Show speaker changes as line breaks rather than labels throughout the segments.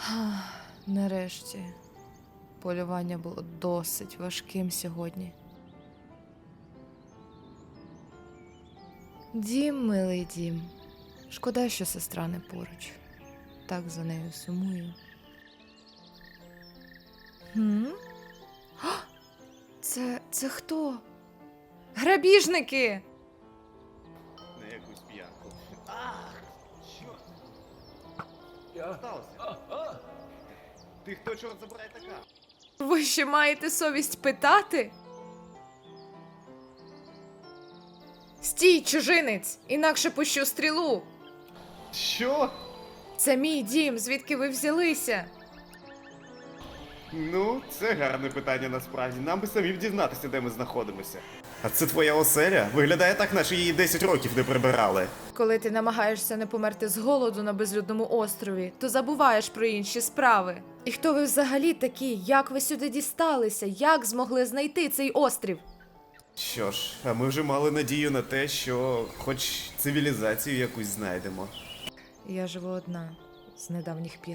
Нарешті. Полювання було досить важким сьогодні. Дім, милий дім. Шкода, що сестра не поруч. Так за нею сумую. Це хто? Грабіжники!
На якусь п'янку. Чорт! Що сталося? Ти хто, чорт забирай така?
Ви ще маєте совість питати? Стій, чужинець! Інакше пущу стрілу!
Що?
Це мій дім, звідки ви взялися?
Ну, це гарне питання насправді. Нам би самим дізнатися, де ми знаходимося. А це твоя оселя? Виглядає так, наче її 10 років не прибирали.
Коли ти намагаєшся не померти з голоду на безлюдному острові, то забуваєш про інші справи. І хто ви взагалі такі? Як ви сюди дісталися? Як змогли знайти цей острів?
Що ж, а ми вже мали надію на те, що хоч цивілізацію якусь знайдемо.
Я живу одна з недавніх пір.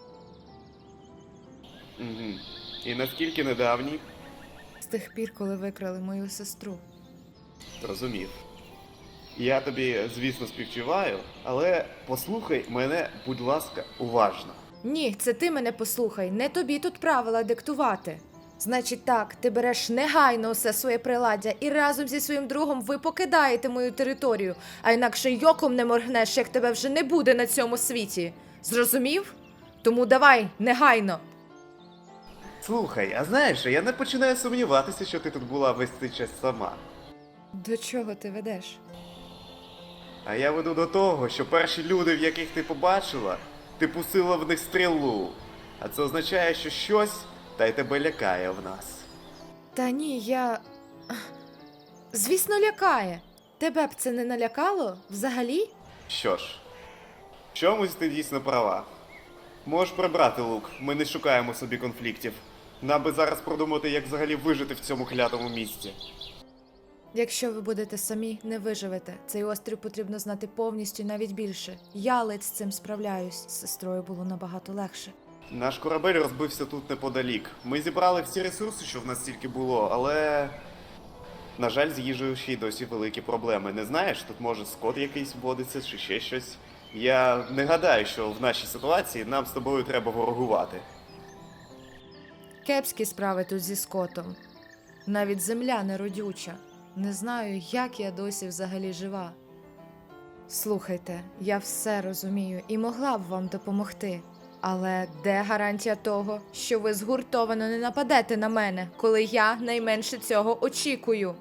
Угу. І наскільки недавні?
З тих пір, коли викрали мою сестру.
Розумів. Я тобі, звісно, співчуваю, але послухай мене, будь ласка, уважно.
Ні, це ти мене послухай, не тобі тут правила диктувати. Значить так, ти береш негайно усе своє приладдя і разом зі своїм другом ви покидаєте мою територію, а інакше й оком не моргнеш, як тебе вже не буде на цьому світі. Зрозумів? Тому давай, негайно.
Слухай, а знаєш, я не починаю сумніватися, що ти тут була весь цей час сама.
До чого ти ведеш?
А я веду до того, що перші люди, в яких ти побачила, ти пустила в них стрілу. А це означає, що щось та й тебе лякає в нас.
Та ні, я... Звісно, лякає. Тебе б це не налякало? Взагалі?
Що ж, в чомусь ти дійсно права. Можеш прибрати лук, ми не шукаємо собі конфліктів. Нам би зараз продумати, як взагалі вижити в цьому клятому місці.
Якщо ви будете самі, не виживете. Цей острів потрібно знати повністю і навіть більше. Я ледь з цим справляюсь. З сестрою було набагато легше.
Наш корабель розбився тут неподалік. Ми зібрали всі ресурси, що в нас тільки було, але... На жаль, з їжею ще й досі великі проблеми. Не знаєш, тут може скот якийсь водиться чи ще щось. Я не гадаю, що в нашій ситуації нам з тобою треба ворогувати.
Кепські справи тут зі скотом. Навіть земля не родюча. Не знаю, як я досі взагалі жива. Слухайте, я все розумію і могла б вам допомогти. Але де гарантія того, що ви згуртовано не нападете на мене, коли я найменше цього очікую?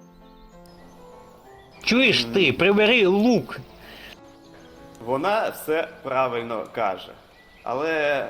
Чуєш ти, прибери лук.
Вона все правильно каже. Але...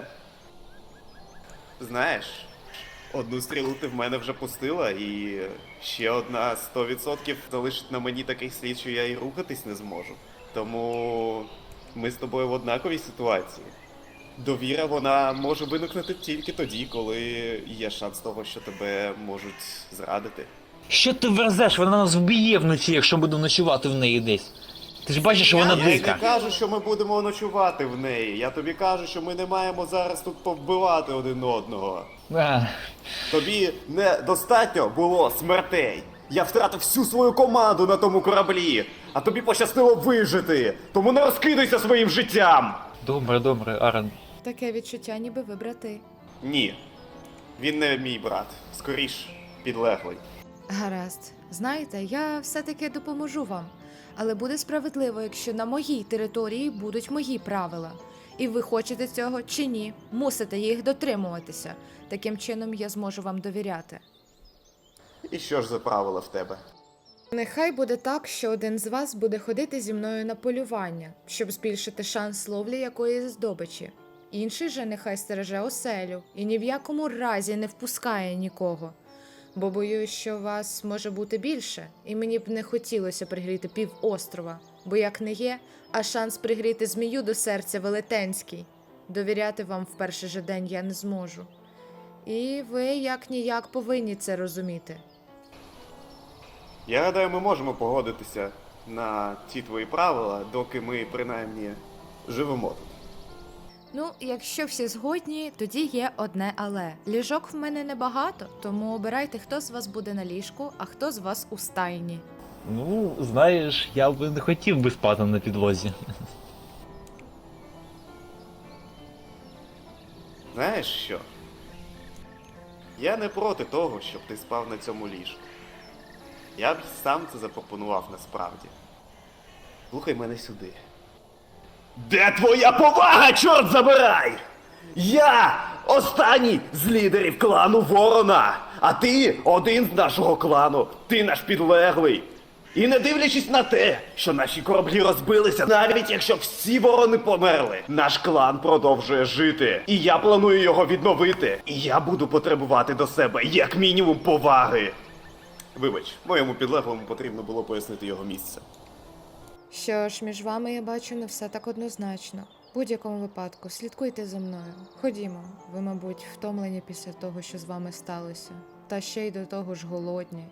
Знаєш, одну стрілу ти в мене вже пустила, і ще одна 100% залишить на мені такий слід, що я і рухатись не зможу. Тому ми з тобою в однаковій ситуації. Довіра, вона може виникнути тільки тоді, коли є шанс того, що тебе можуть зрадити.
Що ти верзеш? Вона нас вб'є вночі, якщо будемо ночувати в неї десь. Ти ж бачиш, що вона
Я й не
дика.
кажу, що ми будемо ночувати в неї. Я тобі кажу, що ми не маємо зараз тут повбивати один одного. Тобі недостатньо було смертей. Я втратив всю свою команду на тому кораблі, а тобі пощастило вижити. Тому не розкидайся своїм життям.
Добре, Арен.
Таке відчуття, ніби ви брати.
Ні, він не мій брат. Скоріш, підлеглий.
Гаразд. Знаєте, я все-таки допоможу вам. Але буде справедливо, якщо на моїй території будуть мої правила. І ви хочете цього чи ні, мусите їх дотримуватися. Таким чином я зможу вам довіряти.
І що ж за правила в тебе?
Нехай буде так, що один з вас буде ходити зі мною на полювання, щоб збільшити шанс ловлі якоїсь здобичі. Інший же нехай стереже оселю і ні в якому разі не впускає нікого. Бо боюсь, що вас може бути більше, і мені б не хотілося пригріти півострова, бо як не є, а шанс пригріти змію до серця велетенський. Довіряти вам в перший же день я не зможу. І ви як-ніяк повинні це розуміти.
Я гадаю, ми можемо погодитися на ті твої правила, доки ми принаймні живемо тут.
Ну, якщо всі згодні, тоді є одне але. Ліжок в мене небагато, тому обирайте, хто з вас буде на ліжку, а хто з вас у стайні.
Ну, знаєш, я би не хотів би спати на підлозі.
Знаєш що? Я не проти того, щоб ти спав на цьому ліжку. Я б сам це запропонував насправді. Слухай мене сюди. Де твоя повага, чорт забирай? Я останній з лідерів клану Ворона, а ти один з нашого клану, ти наш підлеглий. І не дивлячись на те, що наші кораблі розбилися, навіть якщо всі ворони померли, наш клан продовжує жити. І я планую його відновити. І я буду потребувати до себе як мінімум поваги. Вибач, моєму підлеглому потрібно було пояснити його місце.
Що ж, між вами я бачу не все так однозначно. В будь-якому випадку, слідкуйте за мною. Ходімо, ви, мабуть, втомлені після того, що з вами сталося. Та ще й до того ж голодні.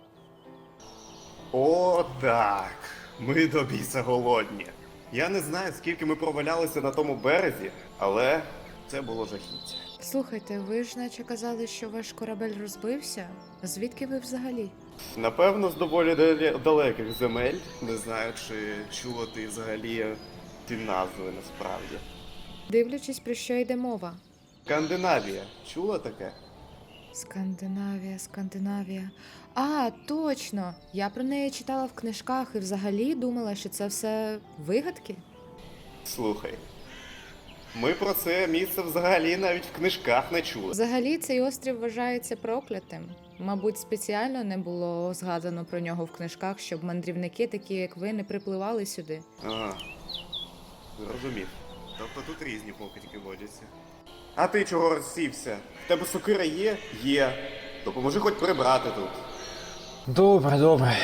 О, так. Ми до біса голодні. Я не знаю, скільки ми провалялися на тому березі, але це було жахіття.
Слухайте, ви ж наче казали, що ваш корабель розбився? Звідки ви взагалі?
Напевно, з доволі далеких земель. Не знаю, чи чула ти взагалі ті назви насправді.
Дивлячись, про що йде мова.
Скандинавія. Чула таке?
Скандинавія, Скандинавія. А, точно! Я про неї читала в книжках і взагалі думала, що це все вигадки.
Слухай. Ми про це місце взагалі навіть в книжках не чули.
Взагалі цей острів вважається проклятим. Мабуть, спеціально не було згадано про нього в книжках, щоб мандрівники, такі як ви, не припливали сюди.
Ага. Зрозумів. Тобто тут різні покидьки водяться. А ти чого розсівся? В тебе сокира є? Є. Допоможи хоч прибрати тут.
Добре, добре.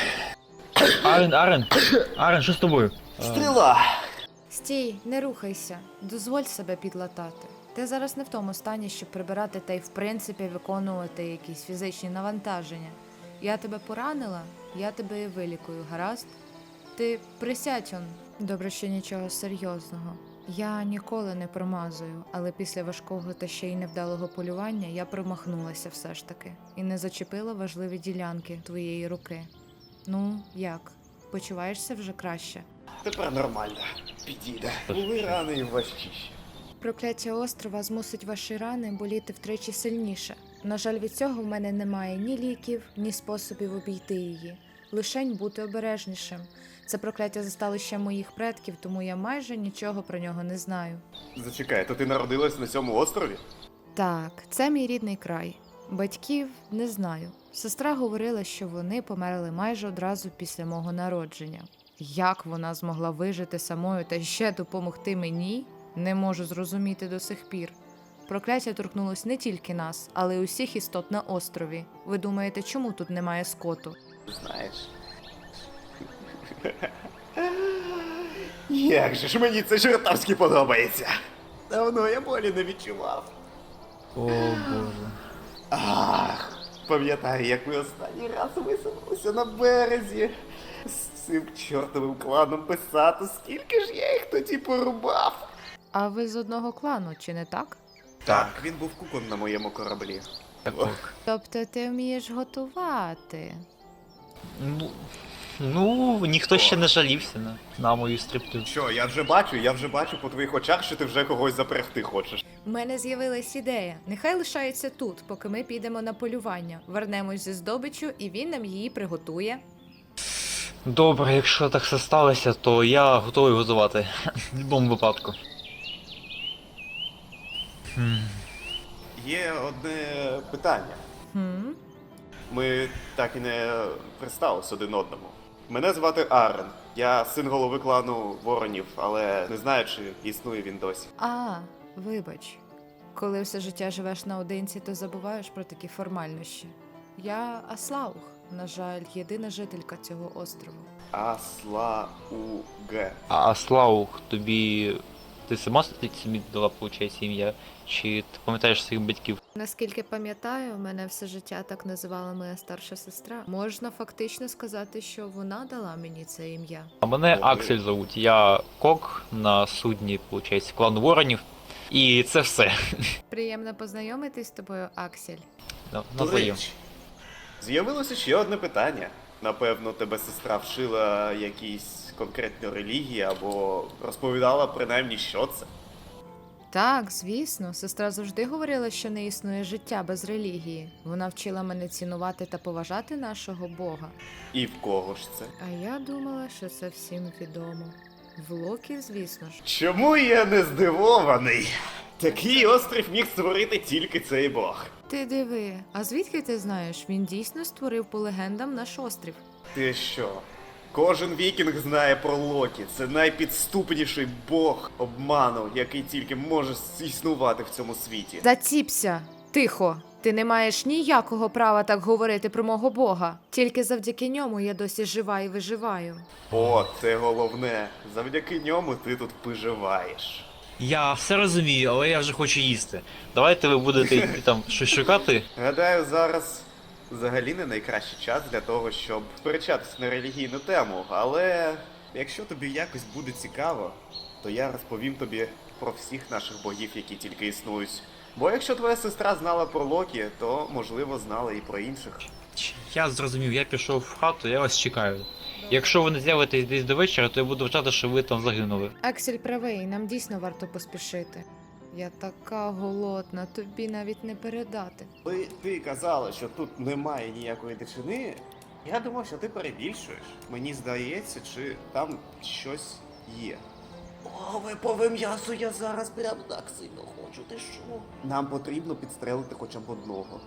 Арен, що з тобою?
Стріла!
Стій, не рухайся, дозволь себе підлатати. Ти зараз не в тому стані, щоб прибирати та й в принципі виконувати якісь фізичні навантаження. Я тебе поранила, я тебе і вилікую, гаразд? Ти присядь он. Добре, що нічого серйозного. Я ніколи не промазую, але після важкого та ще й невдалого полювання я промахнулася все ж таки і не зачепила важливі ділянки твоєї руки. Ну, як? Почуваєшся вже краще?
Тепер нормально. Підійде. Були рани і важчіші.
Прокляття острова змусить ваші рани боліти втричі сильніше. На жаль, від цього в мене немає ні ліків, ні способів обійти її. Лишень бути обережнішим. Це прокляття застало ще моїх предків, тому я майже нічого про нього не знаю.
Зачекай, то ти народилась на цьому острові?
Так, це мій рідний край. Батьків не знаю. Сестра говорила, що вони померли майже одразу після мого народження. Як вона змогла вижити самою та ще допомогти мені, не можу зрозуміти до сих пір. Прокляття торкнулось не тільки нас, але й усіх істот на острові. Ви думаєте, чому тут немає скоту?
Знаєш. Як же ж мені це чертовськи подобається. Давно я болі не відчував.
О, Боже.
Ах, пам'ятаю, як ми останній раз висунулися на березі. З цим чортовим кланом писати, скільки ж я їх тоді порубав.
А ви з одного клану, чи не так?
Так, він був кукон на моєму кораблі.
Так.
Тобто ти вмієш готувати?
Ну, ніхто ще не жалівся на мою стрипту.
Що, я вже бачу по твоїх очах, що ти вже когось запрягти хочеш.
У мене з'явилась ідея. Нехай лишається тут, поки ми підемо на полювання. Вернемось зі здобиччю, і він нам її приготує.
Добре, якщо так все сталося, то я готовий готувати. В будь-якому випадку.
Є одне питання.
Хм?
Ми так і не представились один одному. Мене звати Арен. Я син голови клану Воронів, але не знаю, чи існує він досі.
А, вибач. Коли все життя живеш наодинці, то забуваєш про такі формальнощі. Я Аслаух, на жаль, єдина жителька цього острову.
Аслауге.
А Слаух, тобі. Ти сама собі дала, виходить, ім'я? Чи ти пам'ятаєш своїх батьків?
Наскільки пам'ятаю, мене все життя так називала моя старша сестра. Можна фактично сказати, що вона дала мені це ім'я.
А мене
Добре.
Аксель зовуть. Я кок на судні, виходить, клану Воронів. І це все.
Приємно познайомитись з тобою, Аксель.
Навзаєм.
З'явилося ще одне питання. Напевно, тебе сестра вшила якісь конкретні релігії або розповідала принаймні, що це.
Так, звісно, сестра завжди говорила, що не існує життя без релігії. Вона вчила мене цінувати та поважати нашого Бога.
І в кого ж це?
А я думала, що це всім відомо. В Локі, звісно ж.
Чому я не здивований? Такий острів міг створити тільки цей бог.
Ти диви, а звідки ти знаєш? Він дійсно створив по легендам наш острів.
Ти що? Кожен вікінг знає про Локі. Це найпідступніший бог обману, який тільки може існувати в цьому світі.
Заціпся! Тихо! Ти не маєш ніякого права так говорити про мого Бога. Тільки завдяки ньому я досі жива і виживаю.
О, це головне. Завдяки ньому ти тут виживаєш.
Я все розумію, але я вже хочу їсти. Давайте ви будете йти там щось шукати.
Гадаю, зараз взагалі не найкращий час для того, щоб сперечатися на релігійну тему, але якщо тобі якось буде цікаво, то я розповім тобі про всіх наших богів, які тільки існують. Бо якщо твоя сестра знала про Локі, то можливо знала і про інших.
Я зрозумів, я пішов в хату, я вас чекаю. Якщо ви не з'явитесь десь до вечора, то я буду вважати, що ви там загинули.
Аксель правий, нам дійсно варто поспішити. Я така голодна, тобі навіть не передати.
Коли ти казала, що тут немає ніякої дичини, я думав, що ти перебільшуєш. Мені здається, чи там щось є. О, випове м'ясо я зараз прям так сильно хочу, ти що? Нам потрібно підстрелити хоча б одного.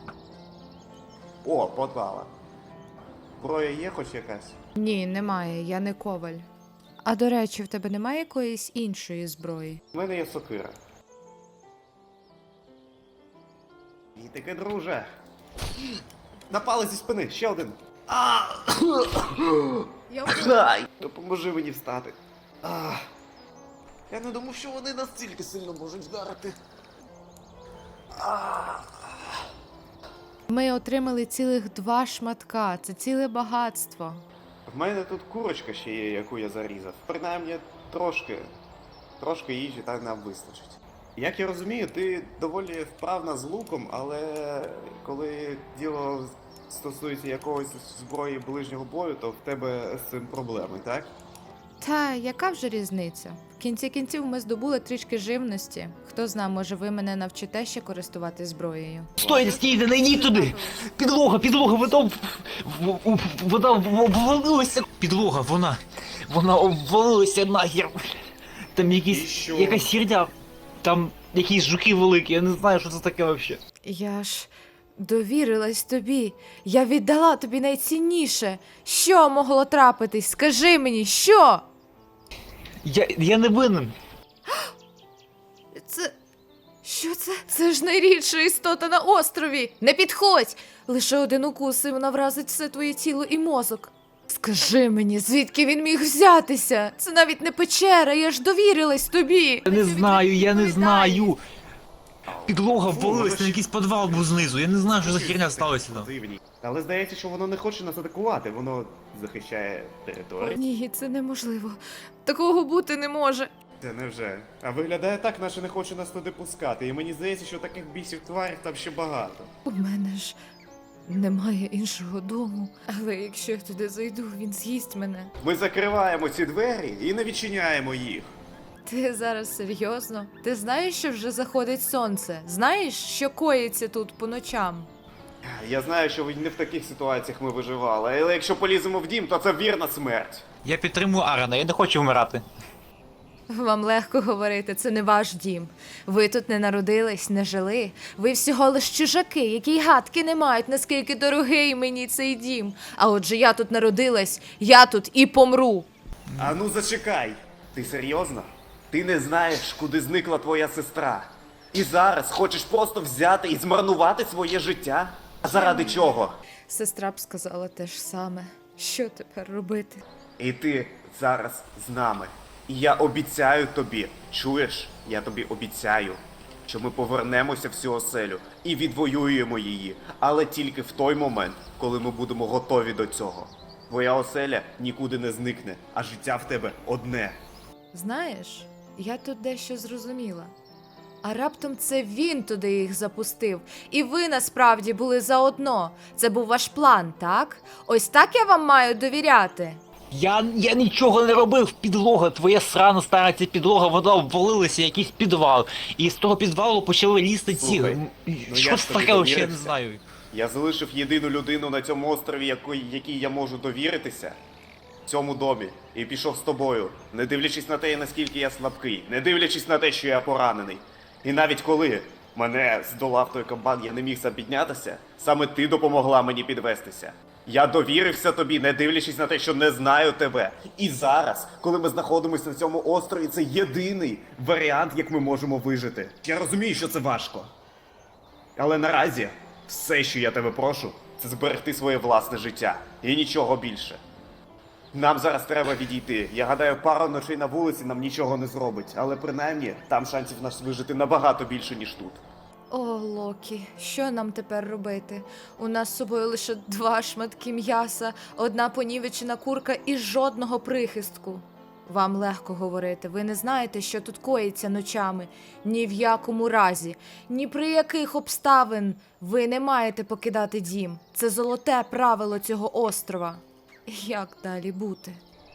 О, попала. Зброя є хоч якась?
Ні, немає, я не коваль. А до речі, в тебе немає якоїсь іншої зброї?
У мене є сокира. І таке, друже. Напали зі спини, ще один. Ай! Допоможи мені встати. Я не думав, що вони настільки сильно можуть вдарити.
Ми отримали цілих 2 шматка, це ціле багатство.
В мене тут курочка ще є, яку я зарізав. Принаймні трошки їжі так нам вистачить. Як я розумію, ти доволі вправна з луком, але коли діло стосується якогось зброї ближнього бою, то в тебе з цим проблеми, так?
Та яка вже різниця? В кінці кінців ми здобули трішки живності. Хто зна, може ви мене навчите ще користувати зброєю.
Стойте, стійте, не йдіть туди! Підлога, вода обвалилася. Підлога, вона обвалилася нахер. Там якась херня, там якісь жуки великі, я не знаю, що це таке взагалі.
Я ж довірилась тобі. Я віддала тобі найцінніше. Що могло трапитись? Скажи мені, що?
Я не винен.
Це. Що це? Це ж найрідша істота на острові. Не підходь! Лише один укус, і вона вразить все твоє тіло і мозок. Скажи мені, звідки він міг взятися? Це навіть не печера, я ж довірилась тобі.
Я не знаю. Підлога ввалилась, там якийсь підвал був знизу, я не знаю, що за херня сталося там.
Дивні. Але здається, що воно не хоче нас атакувати, воно захищає територію.
Ні, це неможливо. Такого бути не може.
Це невже. А виглядає так, наче не хоче нас туди пускати. І мені здається, що таких бісів тварів там ще багато.
У мене ж немає іншого дому. Але якщо я туди зайду, він з'їсть мене.
Ми закриваємо ці двері і не відчиняємо їх.
Ти зараз серйозно? Ти знаєш, що вже заходить сонце? Знаєш, що коїться тут по ночам?
Я знаю, що не в таких ситуаціях ми виживали, але якщо поліземо в дім, то це вірна смерть.
Я підтримую Арана, я не хочу вмирати.
Вам легко говорити, це не ваш дім. Ви тут не народились, не жили. Ви всього лиш чужаки, які й гадки не мають, наскільки дорогий мені цей дім. А отже, я тут народилась, я тут і помру.
А ну зачекай! Ти серйозно? Ти не знаєш, куди зникла твоя сестра. І зараз хочеш просто взяти і змарнувати своє життя? А заради чого?
Сестра б сказала те ж саме. Що тепер робити?
І ти зараз з нами. І я обіцяю тобі, чуєш? Я тобі обіцяю, що ми повернемося в цю оселю і відвоюємо її, але тільки в той момент, коли ми будемо готові до цього. Твоя оселя нікуди не зникне, а життя в тебе одне.
Знаєш, я тут дещо зрозуміла. А раптом це він туди їх запустив. І ви насправді були заодно. Це був ваш план, так? Ось так я вам маю довіряти.
Я нічого не робив, підлога, твоя срана стара ця підлога, вона обвалилася, якийсь підвал. І з того підвалу почали лізти ці...
Слухай,
Що
я
це
ж тобі
таке, вообще, я не
довірився.
знаю.
Я залишив єдину людину на цьому острові, якій я можу довіритися, в цьому домі, і пішов з тобою, не дивлячись на те, наскільки я слабкий, не дивлячись на те, що я поранений. І навіть коли мене здолав той кабан, я не міг сам піднятися, саме ти допомогла мені підвестися. Я довірився тобі, не дивлячись на те, що не знаю тебе. І зараз, коли ми знаходимося на цьому острові, це єдиний варіант, як ми можемо вижити. Я розумію, що це важко. Але наразі все, що я тебе прошу, це зберегти своє власне життя. І нічого більше. Нам зараз треба відійти. Я гадаю, пару ночей на вулиці нам нічого не зробить. Але принаймні, там шансів нас вижити набагато більше, ніж тут.
О, Локі, що нам тепер робити? У нас з собою лише 2 шматки м'яса, 1 понівечена курка і жодного прихистку. Вам легко говорити, ви не знаєте, що тут коїться ночами. Ні в якому разі, ні при яких обставин ви не маєте покидати дім. Це золоте правило цього острова. Як далі бути?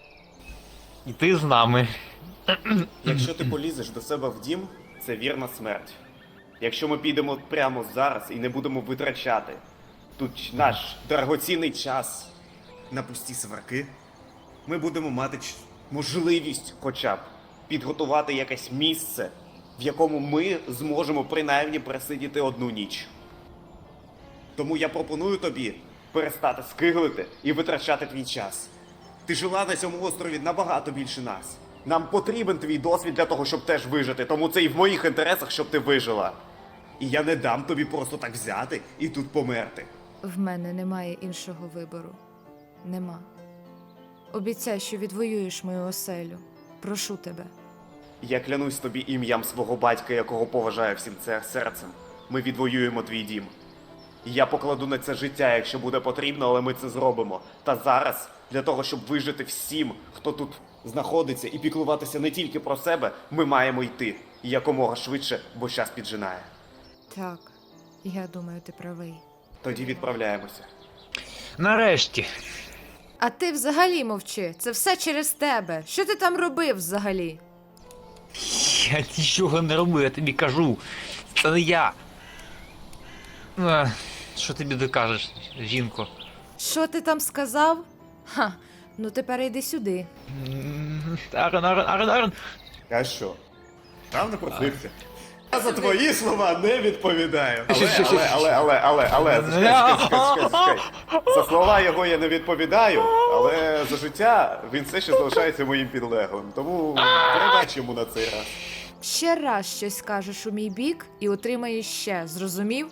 І ти з нами.
Якщо ти полізеш до себе в дім, це вірна смерть. Якщо ми підемо прямо зараз і не будемо витрачати тут наш дорогоцінний час на пусті сварки, ми будемо мати можливість хоча б підготувати якесь місце, в якому ми зможемо принаймні просидіти 1 ніч. Тому я пропоную тобі перестати скиглити і витрачати твій час. Ти жила на цьому острові набагато більше нас. Нам потрібен твій досвід для того, щоб теж вижити, тому це і в моїх інтересах, щоб ти вижила. І я не дам тобі просто так взяти і тут померти.
В мене немає іншого вибору. Нема. Обіцяй, що відвоюєш мою оселю. Прошу тебе.
Я клянусь тобі ім'ям свого батька, якого поважаю всім це серцем. Ми відвоюємо твій дім. І я покладу на це життя, якщо буде потрібно, але ми це зробимо. Та зараз, для того, щоб вижити всім, хто тут знаходиться, і піклуватися не тільки про себе, ми маємо йти. І якомога швидше, бо час піджинає.
Так, я думаю, ти правий.
Тоді відправляємося.
Нарешті.
А ти взагалі мовчи. Це все через тебе. Що ти там робив взагалі?
Я нічого не робив, я тобі кажу. Це не я. Що тобі докажеш, жінко?
Що ти там сказав? Ха, ну тепер йди сюди.
Арен.
А що? Там не просився. Я за твої слова не відповідаю. Але, чекай. За слова його я не відповідаю, але за життя він все ще залишається моїм підлеглим. Тому передач йому на цей раз.
Ще раз щось скажеш у мій бік і отримаєш ще, зрозумів?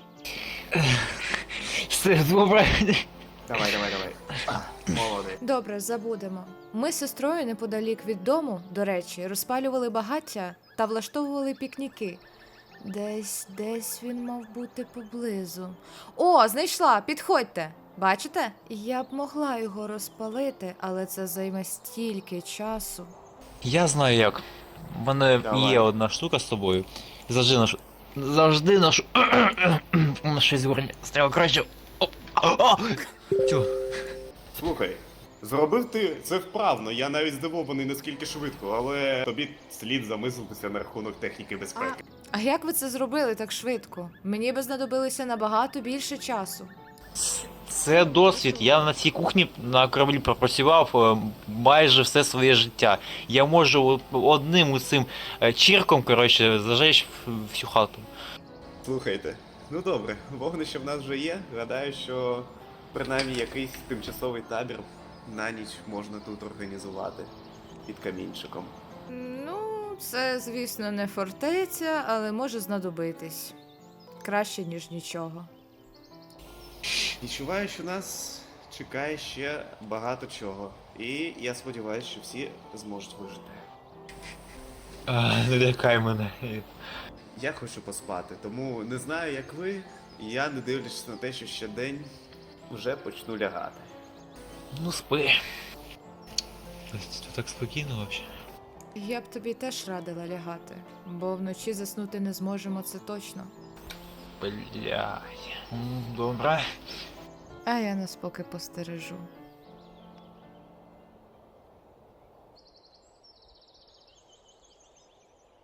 Все добре.
Давай. Молодець.
Добре, забудемо. Ми з сестрою неподалік від дому, до речі, розпалювали багаття та влаштовували пікніки. Десь він мав бути поблизу. О, знайшла, підходьте. Бачите? Я б могла його розпалити, але це займе стільки часу.
Я знаю як. У мене
Давай.
є одна штука з тобою. Завжди ношу на щось горні. Стріла краще. Тю.
Слухай, зробив ти це вправно, я навіть здивований наскільки швидко, але тобі слід замислитися на рахунок техніки безпеки.
А як ви це зробили так швидко? Мені би знадобилося набагато більше часу.
Це досвід. Я на цій кухні на кораблі пропрацював майже все своє життя. Я можу одним цим чірком, коротше, зажечь всю хату.
Слухайте, ну добре, вогнище в нас вже є. Гадаю, що принаймні якийсь тимчасовий табір на ніч можна тут організувати під камінчиком.
Ну, це, звісно, не фортеця, але може знадобитись. Краще, ніж нічого.
Відчуваю, що нас чекає ще багато чого. І я сподіваюся, що всі зможуть вижити.
Не лякай мене.
Я хочу поспати, тому не знаю, як ви, я не дивлячись на те, що ще день вже почну лягати.
Ну спи. Тут так спокійно взагалі.
Я б тобі теж радила лягати, бо вночі заснути не зможемо, це точно.
Блядь. Добре.
А я нас поки постережу.